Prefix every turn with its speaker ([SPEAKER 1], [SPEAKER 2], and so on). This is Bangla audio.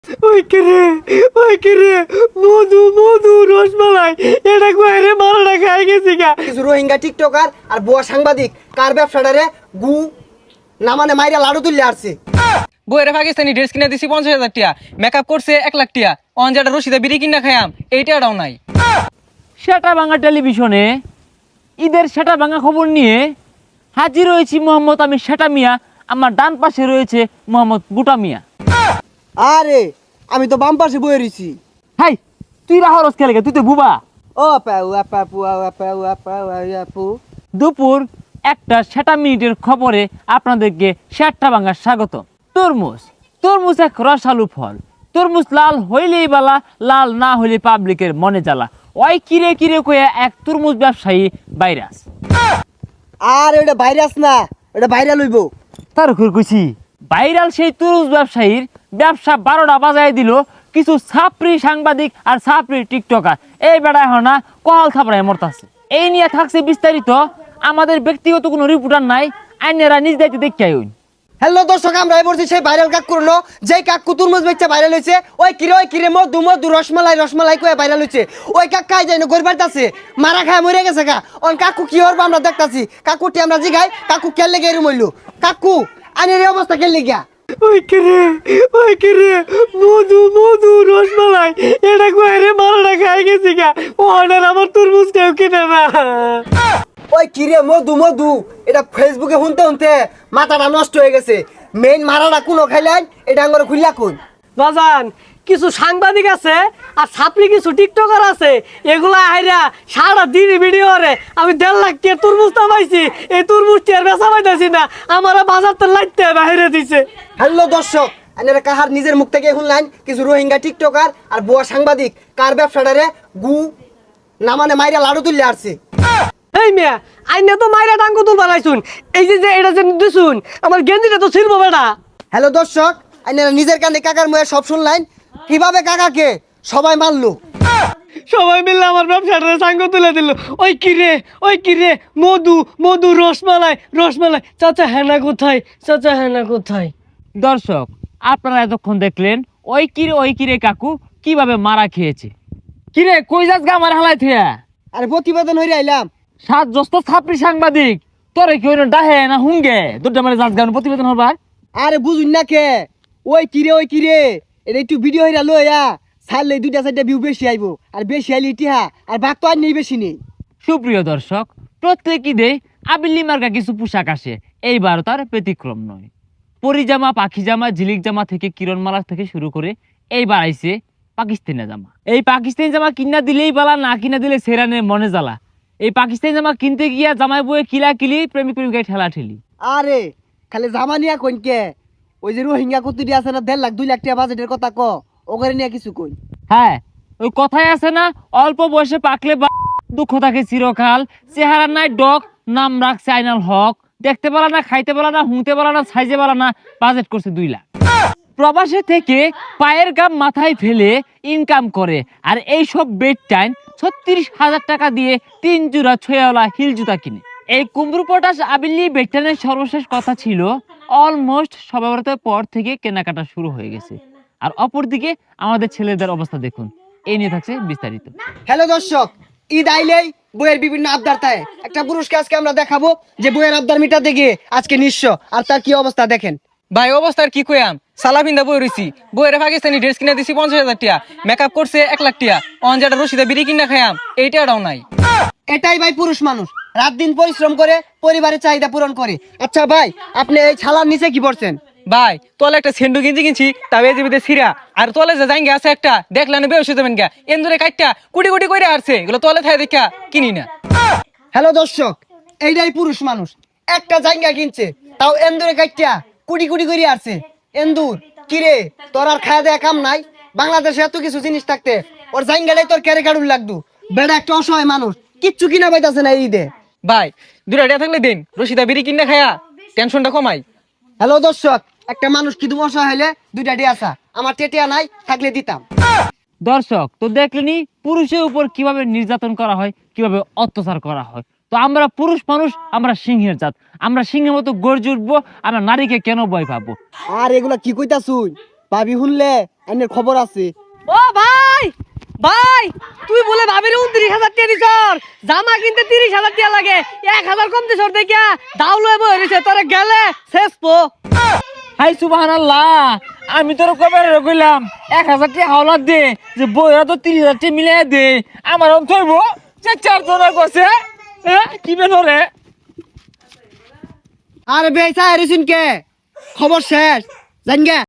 [SPEAKER 1] ওই কিরে ওই কিরে মধু মধু রসমালাই এটা কইরে মারাটা খাই গেছি গা।
[SPEAKER 2] কিছু রোহিঙ্গা টিকটকার আর বুয়া সাংবাদিক কার ব্যবসাটারে গু না মানে মাইরা লাড়ু তুললে আসছে।
[SPEAKER 3] বইয়ের পাকিস্তানি ড্রেস কিনে দিছি 50,000 টাকা, মেকআপ করছে 1 লাখ টাকা, অনজাটা রশিদা বিড়ি কিনা খায়াম এইটাও নাই।
[SPEAKER 4] সেটা ভাঙা টেলিভিশনে ঈদের সেটা ভাঙা খবর নিয়ে হাজির হয়েছি মোহাম্মদ আমি সেটা মিয়া, আমার ডান পাশে রয়েছে মোহাম্মদ বুটা মিয়া।
[SPEAKER 2] আরে আমি তো বাম পাশে বয়ে রইছি।
[SPEAKER 4] হাই তুই রাহরস খেলে তুই তো বুবা।
[SPEAKER 2] ও পাউ আপু আপু
[SPEAKER 4] দুপুর 1টা 7 মিনিটের খবরে আপনাদেরকে সেটা ভাঙার স্বাগত। তরমুজ এক রসালু ফল। তরমুজ লাল হইলেই বালা, লাল না হইলে পাবলিকের মনে জ্বালা। ওই কিরে কিরে কয়ে এক তরমুজ ব্যবসায়ী ভাইরাস।
[SPEAKER 2] আর ওটা ভাইরাস না, ওটা ভাইরাল হইব।
[SPEAKER 4] তার কইছি ভাইরাল সেই তরমুজ ব্যবসায়ীর ব্যবসা 12টা বাজায় দিল কিছু ছাপরি সাংবাদিক আর ছাপরি টিকটকার। এই বেড়া এখন না কল থাপড়ায় মরতাছে। এই নিয়ে থাকছে বিস্তারিত, আমাদের ব্যক্তিগত কোনো রিপোর্টার নাই, আইনেরা নিজ দায়িত্বে দেখতে আইন।
[SPEAKER 2] হ্যালো দর্শক, আমরা বলছি সেই ভাইরাল কাকুর নো, যেই কাকু তুরমুজ বেচা ভাইরাল হইছে। ওই কিরে মধু মধু রসমালাই কয়ে ভাইরাল হইছে। ওই কাকাই যাই না গরিবার আছে মারা খায় মরে গেছে গা। অন কাকু কি হরবা আমরা দেখতাছি। কাকুটি আমরা জিগাই কাকু কেলে গে এরম হইলো। কাকু আইনের এই অবস্থা কেলে গিয়া?
[SPEAKER 1] ওই কিরে মধু মধু রসমালাই এটা কইরে মারাটা খাই গেছি গা। অর্ডার আমার তরমুজ কেউ কিনে না।
[SPEAKER 2] ওই কিরে মধু এটা ফেসবুকে শুনতে মাথাটা নষ্ট হয়ে গেছে। মেইন মারাটা কোনো খাইলেন এটা আঙ্গরে খুললা কোন
[SPEAKER 1] বাজান কিছু সাংবাদিক আছে আর ছাপরি কিছু টিকটকার আছে, এগুলা আইরা সারা দিন ভিডিও করে আমি 1.5 লাখ টাকা তরমুজ পাইছি। এই তরমুজটি আর বেচা পাইতেছি না, আমার বাজার তো লাইতে বাইরে দিছে।
[SPEAKER 2] হ্যালো দর্শক, আপনারা কাহার নিজের মুখ থেকে শুনলেন কিছু রোহিঙ্গা টিকটকার আর বুয়া সাংবাদিক কার ব্যবসাটারে গু না মানে মাইরা লাড়ু তুললে আসছে।
[SPEAKER 1] এই মিয়া আইনে তো মাইরা টাঙ্গু তুল বানাইছুন, এই যে এটা যে দিছুন আমার গেঞ্জিটা তো ছিড়বো বেটা।
[SPEAKER 2] হ্যালো দর্শক, আপনারা নিজের কানে কাকার মুখে সব শুনলেন কিভাবে কাকাকে সবাই মারলো।
[SPEAKER 1] সবাই মিলে আমার ব্যবসাটা সাঙ্গ তুলে দিল। ওই কিরে মধু মধু রসমালাই চাচা হেনা কোথায়, চাচা হেনা কোথায়?
[SPEAKER 4] দর্শক আপনারা এতক্ষণ দেখলেন ওই কিরে কাকু কিভাবে মারা খেয়েছে। কিরে কই যাস গা আমার হালাই থিয়া?
[SPEAKER 2] আরে প্রতিবেদন হইরে আইলাম।
[SPEAKER 4] 7 জস্ত ছাপরি সাংবাদিক তোরে কি হইল ডাহে না হুঙ্গে দুটা মানে যাস গা প্রতিবেদন হবার।
[SPEAKER 2] আরে বুঝুন না কে ওই কিরে এটা একটু ভিডিও হইরা লইয়া ছাড়লে 2-4টা ভিউ বেশি আইবো। আর বেশি আইলে ইতিহা আর বাঘ তো আর নেই বেশি নেই।
[SPEAKER 4] সুপ্রিয় দর্শক, প্রত্যেক ঈদে আবিল্লি মার্কা কিছু পোশাক আসে, এইবার তার ব্যতিক্রম নয়। পরিজামা, পাখি জামা, ঝিলিক জামা থেকে কিরণমালা থেকে শুরু করে এইবার আইছে পাকিস্তানি জামা। এই পাকিস্তানি জামা কিনা দিলেই বালা, না কিনা দিলে সেরানে মনে জ্বালা। এই পাকিস্তানি জামা কিনতে গিয়া জামাই বয়ে কিলি প্রেমিক প্রেমিকায় ঠেলা ঠেলি।
[SPEAKER 2] আরে খালি জামানিয়া কইনকে ওই যে রোহিঙ্গা কুতুরি আছে না 1.5 লাখ 2 লাখ টাকা বাজেটের কথা ক ওগরে নিয়ে কিছু কই।
[SPEAKER 4] হ্যাঁ ওই কথাই আছে না, অল্প বয়সে পাকলে দুঃখ থাকে চিরকাল। চেহারা নাই ডক, নাম রাখছে আইনাল হক। দেখতে পালা না, খাইতে পালা না, হুঁতে পালা না, সাইজে পালা না, বাজেট করছে 2 লাখ। প্রবাসে থেকে পায়ের গাম মাথায় ফেলে ইনকাম করে, আর এইসব বেড টাইম 36,000 টাকা দিয়ে 3 জোড়া ছয়ালা হিল জুতা কিনে। এই কুমড়ু পটাশ আবিল্লি বেডটানের সর্বশেষ কথা ছিল অলমোস্ট সবে বরাতের পর থেকে কেনাকাটা শুরু হয়ে গেছে। আর অপরদিকে আমাদের ছেলেদের অবস্থা দেখুন, এই নিয়ে থাকছে বিস্তারিত।
[SPEAKER 2] হ্যালো দর্শক, ঈদ আইলেই বইয়ের বিভিন্ন আবদার থাকে। একটা পুরুষকে আজকে আমরা দেখাবো যে বইয়ের আবদার মিটাতে গিয়ে আজকে নিঃস্ব, আর তার কি অবস্থা দেখেন।
[SPEAKER 3] ভাই অবস্থার কি কইয়াম, সালা পিন্দা বই রইছি। বইয়ের পাকিস্তানি ড্রেস কিনে দিছি 50,000 টাকা, মেকআপ করছে 1 লাখ টাকা, অনজাটা রশিদা বিড়ি কিনা খায়াম এইটাও নাই।
[SPEAKER 2] এটাই ভাই পুরুষ মানুষ, রাত দিন পরিশ্রম করে পরিবারের চাহিদা পূরণ করে। আচ্ছা ভাই, আপনি এই ছালার নিচে কি পড়ছেন?
[SPEAKER 3] ভাই তোলে একটা সেন্ডু গেঞ্জি কিনছি, তবে জীবিতে সিরা। আর তোলে যে জাঙ্গে আছে একটা দেখলেন বেশ যাবেন গা, এন্দুরে কাটটা কুটি কুটি করে আসছে, এগুলো তোলে থাকে দেখা কিনি না।
[SPEAKER 2] হ্যালো দর্শক, এইটাই পুরুষ মানুষ, একটা জায়গা কিনছে তাও এন্দুরে কাটটা কুটি কুটি করে আসছে। এন্দুর কিরে তোর আর খাওয়া দেয়া কাম নাই? বাংলাদেশে এত কিছু জিনিস থাকতে ওর জায়গাটাই তোর ক্যারে কাড়ুন লাগতো। বেড়া একটা অসহায় মানুষ, কিচ্ছু কিনা পাইতাছে না এই ঈদে।
[SPEAKER 3] ভাই 2টা টাকা থাকলে দিন, রশিদা বিড়ি কিনা খায়া টেনশনটা কমাই।
[SPEAKER 2] হ্যালো দর্শক, একটা মানুষ কিন্তু অসহায় হইলে 2টা ডি আসা, আমার টেটিয়া নাই থাকলে দিতাম।
[SPEAKER 4] দর্শক তো দেখলেনি পুরুষের উপর কিভাবে নির্যাতন করা হয়, কিভাবে অত্যাচার করা হয়। তো আমরা পুরুষ মানুষ, আমরা সিংহের জাত, আমরা সিংহের মতো গর্জে উঠবো। আমরা নারীকে কেন ভয় পাবো?
[SPEAKER 2] আর এগুলা কি কইতাছুই? ভাবি শুনলে আইনের খবর আছে।
[SPEAKER 1] ও ভাই ভাই তুই বলে ভাবির 29,000 টাকা দিছর, জামা কিনতে 30,000 টাকা লাগে, 1,000 কম দিছর দেখিয়া দাও লয়ে বই রইছে, তোরে গেলে শেষ পো।
[SPEAKER 4] হাই সুবহানাল্লাহ, আমি তোর কবে কইলাম 1,000 টাকা হাওলাত দে, যে বইরা তো 30,000 টাকা মিলাই দে, আমার অন থইব যে 4 জনের কইছে কি বেন রে।
[SPEAKER 2] আরে বেচা এরিসুন কে খবর শেষ জানগে।